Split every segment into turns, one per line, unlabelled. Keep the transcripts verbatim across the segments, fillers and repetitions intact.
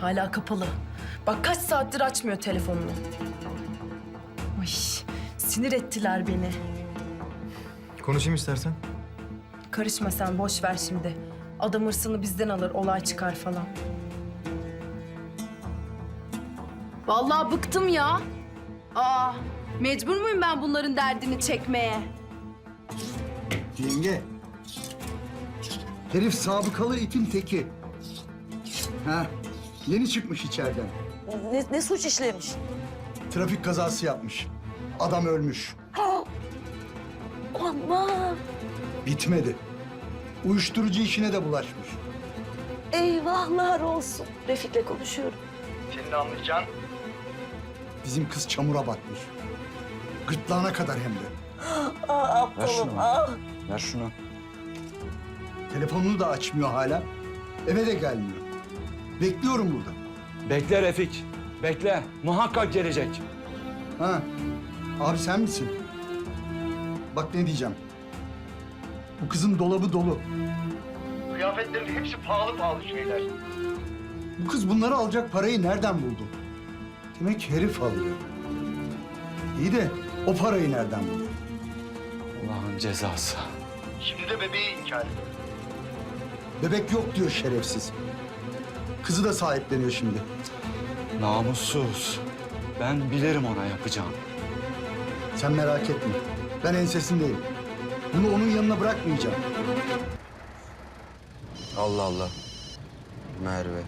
Hala kapalı. Bak kaç saattir açmıyor telefonunu. Ay, sinir ettiler beni.
Konuşayım istersen.
Karışma sen, boş ver şimdi. Adam hırsını bizden alır, olay çıkar falan. Vallahi bıktım ya. Aa, mecbur muyum ben bunların derdini çekmeye?
Yenge. Herif sabıkalı itin teki. Ha, yeni çıkmış içeriden.
Ne, ne suç işlemiş?
Trafik kazası yapmış. Adam ölmüş.
Aman!
Bitmedi. Uyuşturucu işine de bulaşmış.
Eyvahlar olsun. Refik'le konuşuyorum.
Senin de anlayacağın. Bizim kız çamura batmış. Gırtlağına kadar hem de.
Aa, aptalım, ah!
Ver şunu.
Telefonunu da açmıyor hala. Eve de gelmiyor. Bekliyorum burada.
Bekle Refik. Bekle. Muhakkak gelecek.
Ha, abi sen misin? Bak ne diyeceğim. Bu kızın dolabı dolu. Kıyafetlerin hepsi pahalı pahalı şeyler. Bu kız bunları alacak parayı nereden buldu? Demek herif alıyor. İyi de o parayı nereden buldu?
Allah'ın cezası.
Şimdi de bebeği inkar ediyor. Bebek yok diyor şerefsiz. Kızı da sahipleniyor şimdi.
Namussuz. Ben bilirim ona yapacağım.
Sen merak etme. Ben ensesindeyim. Bunu onun yanına bırakmayacağım.
Allah Allah. Merve.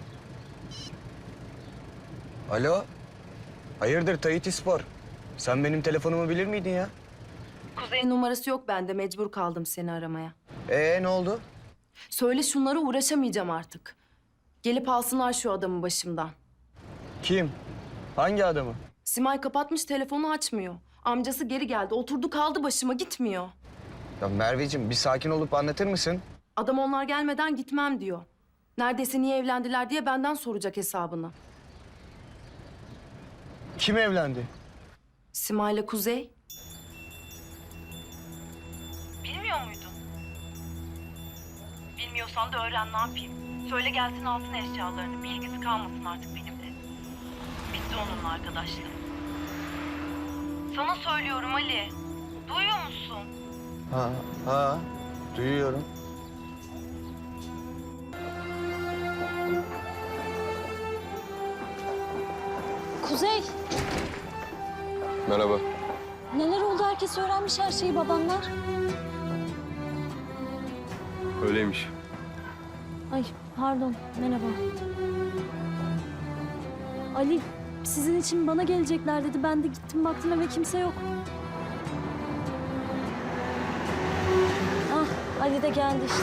Alo. Hayırdır Tahiti Spor? Sen benim telefonumu bilir miydin ya?
Kuzey'in numarası yok bende, mecbur kaldım seni aramaya.
Ee ne oldu?
Söyle şunlara, uğraşamayacağım artık. Gelip alsınlar şu adamı başımdan.
Kim? Hangi adamı?
Simay kapatmış, telefonu açmıyor. Amcası geri geldi, oturdu kaldı başıma, gitmiyor.
Ya Merveciğim bir sakin olup anlatır mısın?
Adam onlar gelmeden gitmem diyor. Neredeyse niye evlendiler diye benden soracak hesabını.
Kim evlendi?
Simay'la Kuzey.
Bilmiyor muydun? Bilmiyorsan da öğren, ne yapayım? Söyle gelsin alsın eşyalarını. Bir ilgisi kalmasın artık benimle. Bitti onunla arkadaşlığı. Sana söylüyorum Ali. Duyuyor musun?
Ha, ha. Duyuyorum.
Kuzey,
Merhaba.
neler oldu? Herkes öğrenmiş her şeyi, babanlar.
Öyleymiş.
Ay, pardon, merhaba. Ali, sizin için bana gelecekler dedi. Ben de gittim, baktım eve kimse yok. Ah, Ali de geldi işte.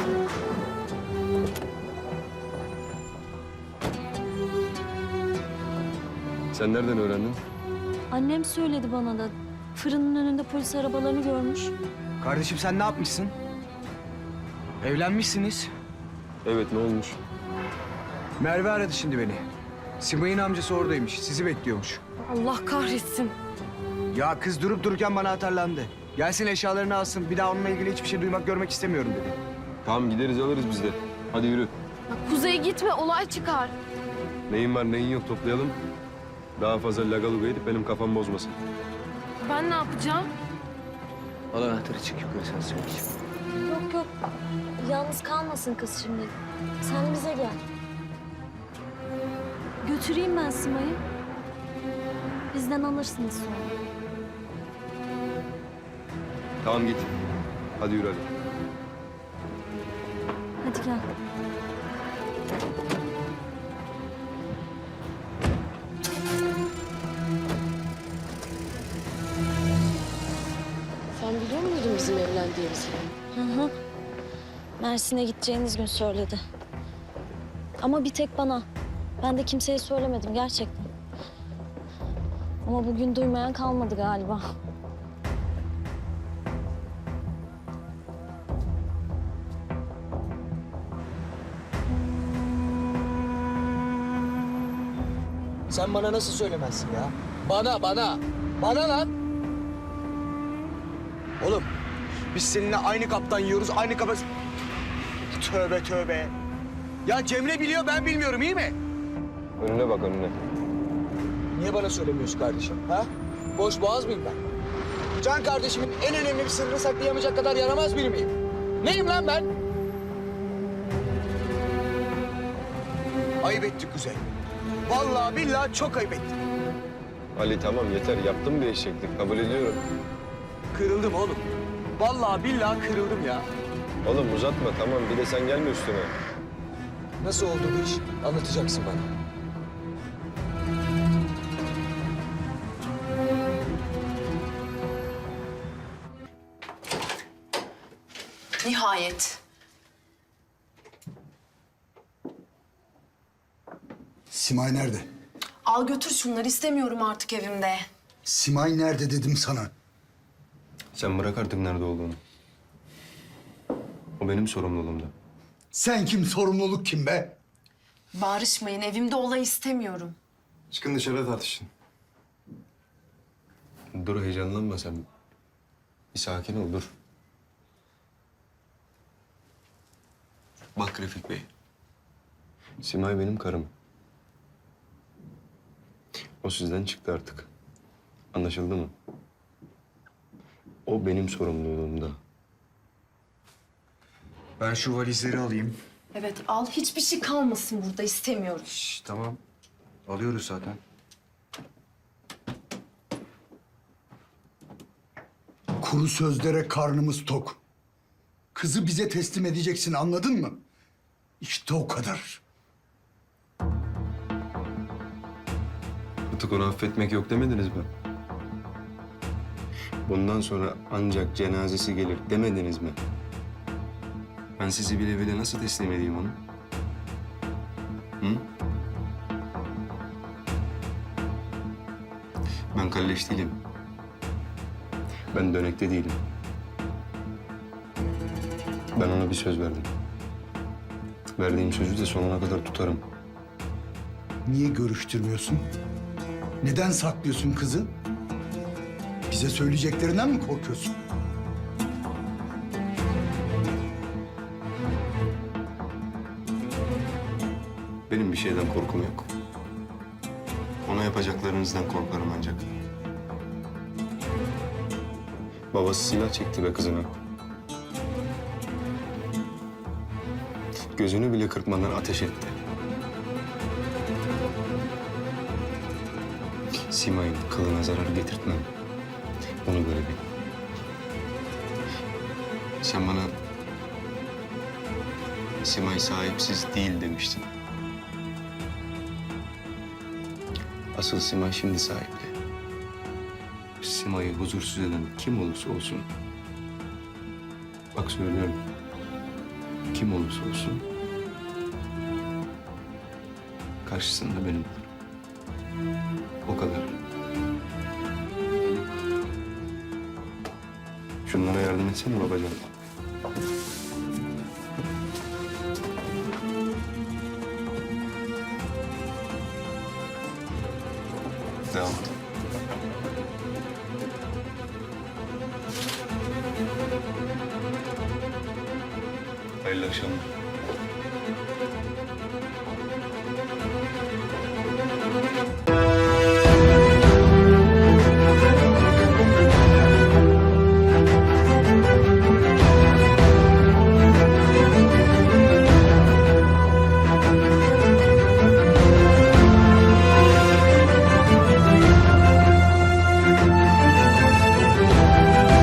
Sen nereden öğrendin?
Annem söyledi bana da. Fırının önünde polis arabalarını görmüş.
Kardeşim sen ne yapmışsın? Evlenmişsiniz.
Evet, ne olmuş?
Merve aradı şimdi beni. Simay'ın amcası oradaymış, sizi bekliyormuş.
Allah kahretsin.
Ya kız durup dururken bana atarlandı. Gelsin eşyalarını alsın, bir daha onunla ilgili hiçbir şey duymak, görmek istemiyorum dedi.
Tamam, gideriz alırız biz de. Hadi yürü.
Kuzey gitme, olay çıkar.
Neyin var neyin yok toplayalım. Daha fazla lagaluga edip benim kafam bozmasın.
Ben ne yapacağım?
Al anahtarı çık yukarı sen söyle.
Yok yok, yalnız kalmasın kız şimdi. Sen bize gel. Götüreyim ben Simay'ı. Bizden alırsınız sonra.
Tamam git. Hadi yürü hadi.
Hadi gel.
Sen biliyor muydun bizim evlendiğimizi?
Hı hı. Mersin'e gideceğiniz gün söyledi. Ama bir tek bana. Ben de kimseye söylemedim gerçekten. Ama bugün duymayan kalmadı galiba.
Sen bana nasıl söylemezsin ya? Bana, bana. Bana lan. Oğlum, biz seninle aynı kaptan yiyoruz, aynı kapa... Tövbe tövbe. Ya Cemre biliyor, ben bilmiyorum, iyi mi?
Önüne bak önüne.
Niye bana söylemiyorsun kardeşim? Ha? Boş boğaz mıyım ben? Can kardeşimin en önemli bir sırrını saklayamayacak kadar yaramaz biri miyim? Neyim lan ben?
Ayıp ettik Kuzey. Vallahi billahi çok ayıp ettik.
Ali tamam yeter. Yaptım bir eşeklik. Kabul ediyorum.
Kırıldım oğlum. Vallahi billahi kırıldım ya.
Oğlum uzatma tamam. Bir de sen gelme üstüne.
Nasıl oldu bu iş? Anlatacaksın bana.
Nihayet.
Simay nerede?
Al götür şunları, istemiyorum artık evimde.
Simay nerede dedim sana.
Sen bırak artık nerede olduğunu. O benim sorumluluğumda.
Sen kim, sorumluluk kim be?
Bağırışmayın, evimde olay istemiyorum.
Çıkın dışarı tartışın. Dur heyecanlanma sen. Bir sakin ol dur. Bak Refik Bey. Simay benim karım. O sizden çıktı artık. Anlaşıldı mı? O benim sorumluluğumda.
Ben şu valizleri alayım.
Evet al, hiçbir şey kalmasın burada, istemiyorum.
Şş, tamam. Alıyoruz zaten.
Kuru sözlere karnımız tok. Kızı bize teslim edeceksin, anladın mı? İşte o kadar.
Artık onu affetmek yok demediniz mi? Bundan sonra ancak cenazesi gelir demediniz mi? Ben sizi bile bile nasıl teslim edeyim onu? Hı? Ben kalleş değilim. Ben dönekte değilim. Ben ona bir söz verdim. Verdiğim sözü de sonuna kadar tutarım.
Niye görüştürmüyorsun? Neden saklıyorsun kızı? Bize söyleyeceklerinden mi korkuyorsun?
Benim bir şeyden korkum yok. Ona yapacaklarınızdan korkarım ancak. Babası silah çekti be kızına. Gözünü bile kırpmadan ateş etti. Simay'ın kılına zarar getirtmem. Onu böyle bil. Sen bana Simay sahipsiz değil demiştin. Asıl Simay şimdi sahipli. Simay'ı huzursuz eden kim olursa olsun. Bak söylüyorum. Kim olursa olsun. Karşısında benim. O kadar. Şunlara yardım etsene babacan. Devam et. Hayırlı akşamlar.